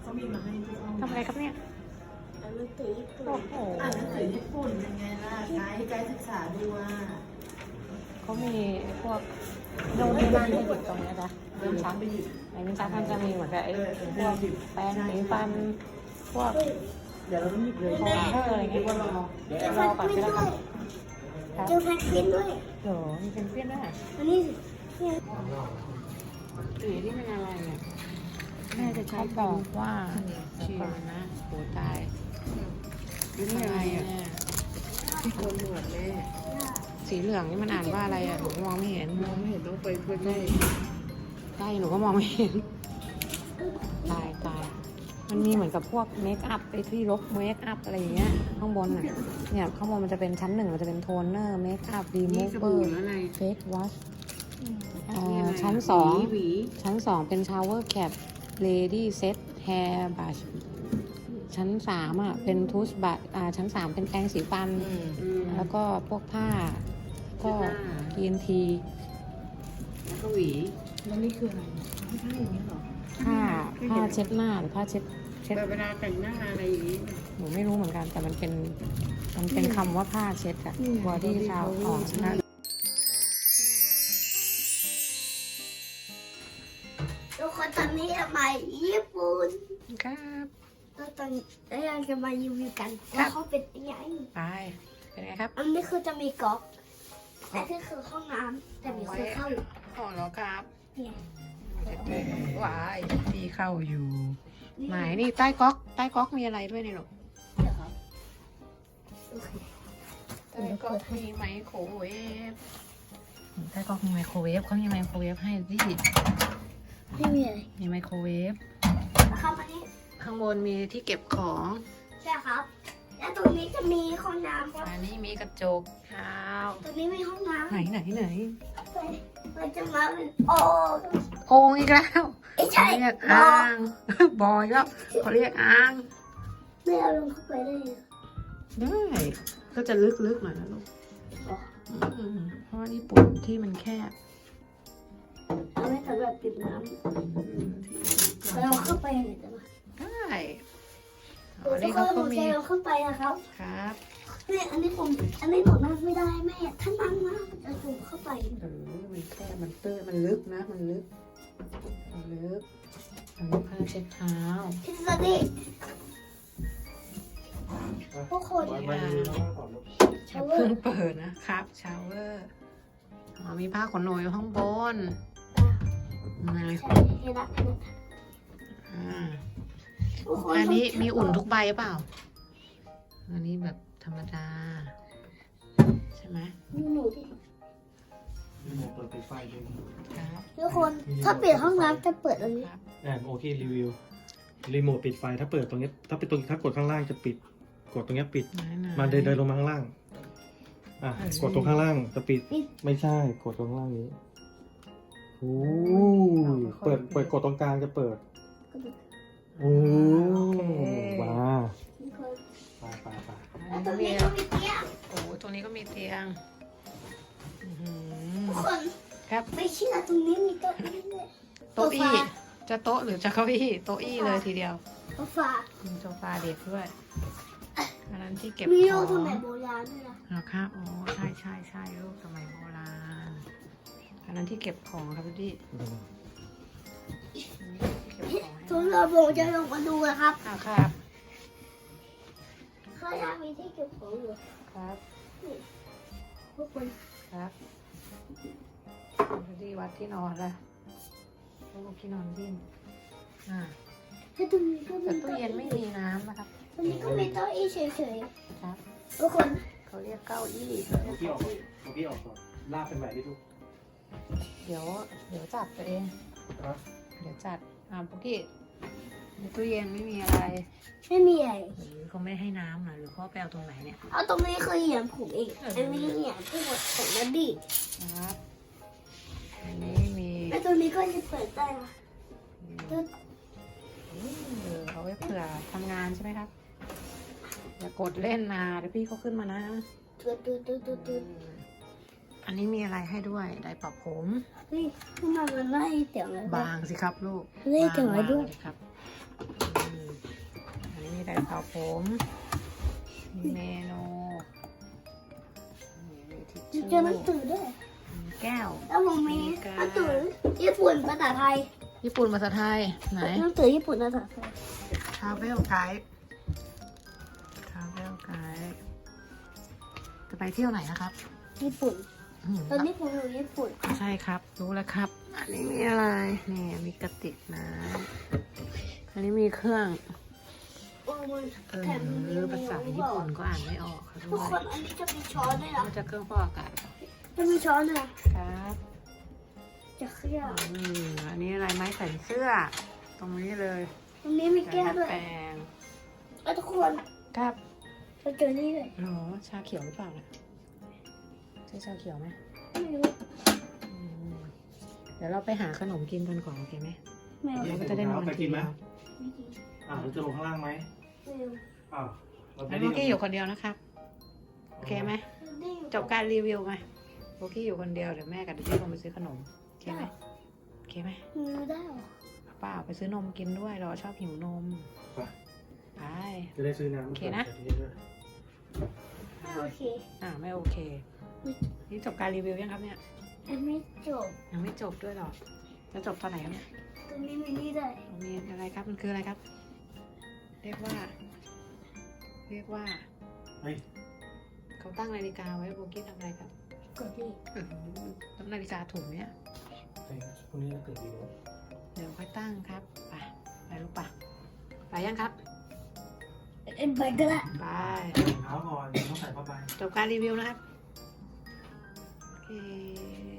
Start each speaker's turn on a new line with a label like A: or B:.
A: เขามีมาให้ทุกห้อง
B: ทำอะไรครับเนี่ย
A: อ่านหนังสือญี่ปุ่น
B: โอ้โห
A: อ่านหนังสือญี่ปุ่นยังไงล่ะไกด์ศึกษาดูว่า
B: เขามีพวกโน่นนี่นั่นให้หยิบตรงเนี้ยจ้ะลิ้นชัก
A: ไปหยิบ
B: ในลิ้นชักมันจะมีเหมือนกับไอ้พวกแปรงสีฟันพวก
A: เดี๋ยวเราต้องหยิบเลย
B: โทนเนอร์อะไรเงี้ยรอก่อนก็ได้ครับครับ
C: เจอแพ็กเกจด้วย
B: โหมีเป็นเพื่อนด้วย
C: อันนี้เนี่ย
B: สีที่มันอะไรเนี่ยแม่จะเขาบอกว่าชีนะโหตายนี่อะไรอ่ะ
A: ที่โกนหนวดแม่
B: สีเหลืองนี่มันอ่านว่าอะไรอ่ะหนูมองไม่เห็น
A: มองไม่เห็นต้องไปใกล้
B: ใกล้หนูก็มองไม่เห็นตายมันมีเหมือนกับพวกเมคอัพไอ้ที่ลบเมคอัพอะไรอย่างเงี้ยข้างบนน่ะเนี่ยข้างบนมันจะเป็นชั้นหนึ่งมันจะเป็นโทนเนอร์เมคอัพรีมูเวอร์เฟสวอชชั้นสอง
A: หวี
B: ชั้นสองเป็นชาวเวอร์แคปเลดี้เซตแฮร์บัชชั้นสามอ่ะเป็นทูสบัตชั้นสามเป็นแปรงสีฟัน แล้วก็พวกผ้าก็กีนที
A: แล้วก็หวีแล้วนี่คืออะไรไม่ใช่อย่างนี้หรอ
B: ผ้าเช็ดหน้าหรือผ้าเช็ด
A: แบบเวลาแต่งหน้าอะไรอย่างนี้
B: หนูไม่รู้เหมือนกัน แต่มันเป็นคำว่าผ้าเช็ดอะบอดี้ชาวอ๋อนะ
C: ทุกคนตอนนี้จะมาญี่ปุ่น
B: ครับ
C: แล้วตอนแล้วเราจะมารีวิวกันว่าเขาเป็นยังไง
B: ไปเป็นไงครับ
C: อันนี้คือจะมีก๊อกแต่นี่คือห้องน้ำแต่มีคนเข้าอยู่
B: อ๋อแล้วครับ
C: เนี่ย
B: วายที่เข้าอยู่ไหนนี่ใต้ก๊อกมีอะไรด้วยนี่หรอ
C: เดี๋ยวครับโอเค
B: ใต้ก๊อกมีไมโครเวฟใต้ก๊อกมีไมโครเวฟเขามีไมโครเวฟให้ดิ
C: ไม่มีอะไร
B: มีไมโครเวฟ
C: เข้ามานี่
B: ข้างบนมีที่เก็บของ
C: ใช่ครับ แล้วตรงนี้จะมีห้องน้ำครับ
B: อันนี้มีกระจกเท้า
C: ตรงนี้มีห้องน้ำ
B: ไหน
C: มันจะมาเป็นโอ่ง
B: โอ่งอีกแล้ว
C: ไม่
B: เขา
C: ใช่
B: เรียกอ่าง บอยแล้วเขาเรียกอ่าง
C: ไม่เอาลงเข้าไปได้เลย
B: ได้ก็จะลึกๆหน่อยนะลูกเพราะว่าญี่ปุ่นที่มันแคบ
C: เอาไว้สำหรับปิดน้ำเราเข้าไปไหนจะมา
B: ได้อ๋
C: ทุ
B: อก นี่
C: ค
B: เขา
C: นผ
B: ก็
C: ม
B: มี
C: จะลงเข้าไปนะครับ
B: ครับ
C: เนี่ยอันนี้หนูนั่งไม่ได้แม่ถ้านั่งนะมันจะสูงเข้าไป
B: มันแคบมันตื้นมันลึกนะมันลึกอันนี้ผ้าเช็ดเท้า
C: พิซซ่าดิทุกคน
B: อย่าเพิ่งเปิดนะครับชาวเวอร์มีผ้าขนหนูอยู่ข้างบนนี่
C: ใช่เห็นละ ทุกคน
B: อันนี้มีอุ่นทุกใบเปล่า อันนี้แบบธรรมดา ใช่ไหม
C: หนูดิ
D: รีโมทเปิดปิดไฟด้วย
B: ครับ
C: ทุกคนถ้าเปลี่ยนห้องน้ำจะเปิดอันนี้
D: โอเครีวิวรีโมทปิดไฟถ้าเปิดตรงนี้ถ้าเป็นตรงถ้ากดข้างล่างจะปิด กดตรงนี้ปิด มาเดินลงมาข้างล่างกดตรงข้างล่างจะปิดไม่ใช่กดตรงข้างล่างนี้โอ้เปิดกดตรงกลางจะเปิดโอ้ว้า
C: ทุกคน
D: ไป
C: แล้วตรงนี้ก็มีเตียง
B: โอ้โหตรงนี้ก็มีเตียง
C: ทุกคน
B: ครับ
C: ไม่เชื่อตรงนี้มีเก้าอี้ด้วย
B: โต๊ะอี้จะโต๊ะหรือจะเก้าอี้โต๊ะอี้เลยทีเดียว
C: โซฟา
B: มีโซฟาเด็กด้วยอันนั้นที่เก็บ
C: มี
B: ข
C: โล
B: อง
C: สมัยโบราณด้วยนะ
B: นะครับอ๋อใช่รูปสมัยโบราณอันนั้นที่เก็บของครับพี่ที่เก็บของให้
C: ทุกเราผมจะลงมาดูนะครับ
B: ครับ
C: ข้างล่างมีที่เก็บของอยู่
B: ครับ
C: ทุกคน
B: ครับพี่วัดที่นอนละลูกที่นอนดิ้น
C: ถ้าตรงนี้ก็
B: แต่
C: มี
B: ตู้เย็นไม่มีน้ำนะครับ
C: ตรงนี้ก็มีเก้าอี้เฉย
B: ครับ
C: ๆทุกคน
B: เขาเรียกเก้าอี้
D: เอาพี่ออกก่อนลากเป็นแบบนี้ทุก
B: เดี๋ยวจัดตัวเอง เดี๋ยวจัดปุกกี้ในตู้เย็นไม่มีอะไร
C: ไม่มีอะไร
B: หรือเขาไม่ให้น้ำหรือเขาไปเอาตรงไหนเนี่ย
C: เอาตรงนี้คือเหยียบผมเองอันนี้เหยียบที่หมดของนัดดี้
B: ครับอันนี้มี
C: แล้วตรงนี้ก็จะเปิดได้นะ
B: เอาไว้เผื่อทำงานใช่ไหมครับ อย่ากดเล่นนะเดี๋ยวพี่เขาขึ้นมานะ
C: ตุ๊ด
B: อันนี้มีอะไรให้ด้วยไดร์ปรับผม
C: เฮ้ยขึ้นมามันไล่เสียงอะไร
B: บางสิครับลูก
C: ไล่เสียงอะไรด้วย
B: บางสิครับไดร์เป่าผมมีเมนูมีทิช
C: มี
B: ชู่
C: เจอหนังสือด้วย
B: มีแก้ว
C: แล้วผมมีหนังสือญี่ปุ่นภาษาไทย
B: ญี่ปุ่นภาษาไทยไหน
C: หนังสือญี่ปุ่นภาษาไทย
B: Travel Guide Travel Guide จะไปเที่ยวไหนนะครับ
C: ญี่ปุ่น
B: อืม
C: ตอนนี้ผมอยู่ญี่ปุ่น
B: ใช่ครับ รู้แล้วครับ อันนี้มีอะไร นี่มีกระติกน้ำอันนี้มีเครื่อง
C: โอ้มัน
B: หรือภาษาญี่ปุ่นก็อ่านไม่ออกค่ะ
C: ทุ
B: ด้
C: ก
B: ว
C: คน
B: ย
C: อันนี้จะมีช้อนด้วยเหรอ
B: มันจะเครื่องฟอกอากาศ
C: จะมีช้อนด้วยเหรอ
B: ครับ
C: จะเครียด
B: อันนี้อะไรไม้แขวนเสื้อ ตรงนี้เลย
C: ตรงนี้มีแก้วด้วย
B: แปรง
C: แล้วทุกคน
B: ครับ
C: เราเจอนี่เลย
B: หรอชาเขียวหรือเปล่านะใช่ชาเขียวไหม
C: ไม่รู้
B: อืมเดี๋ยวเราไปหาขนมกินกันก่อนโอเคไหม
C: ไม่รู้
B: เราก็จะได้นอนทีเดียว
C: ไม่กิน
D: เราจะลงข้างล่างไหม
C: ไม่รู้
D: อ้าวเรา
B: แล้วโบกี้อยู่คนเดียวนะครับโอเคไหมจบการรีวิวไหมโบกี้อยู่คนเดียวเดี๋ยวแม่กับเด็กๆลงไปซื้อขนมโอเคไหมโอเคไหม
C: มือได้เหรอ
B: เปล่าไปซื้อนมกินด้วยเราชอบหิวนมไป
D: จะได้ซื้อน้ำ
B: โอเคนะ
C: ไม่โอเค
B: ไม่โอเค นี่จบการรีวิวยังครับเนี่ย
C: อันไม่จบ
B: ยังไม่จบด้วยหรอจะจบตอนไหนครับเนี่ย
C: ตรงนี้มีนี่ได้
B: มีอะไรครับมันคืออะไรครับ เรียกว่า
D: เฮ้ย
B: เขาตั้งนาฬิกาไว้โบกี้ทำอะไรครับ
C: กดนี่
B: ตั้งนาฬิกาถุงเนี่ย
D: พรุ่งนี้เราตื่นดีนะ
B: เดี๋ยวค่อยตั้งครับไปลูกปะไปยังครับ
C: ไปก็ได้
B: ไป
D: เท้าก่อนต้องใส่ผ้าใบ
B: จบการรีวิวนะครับโอเค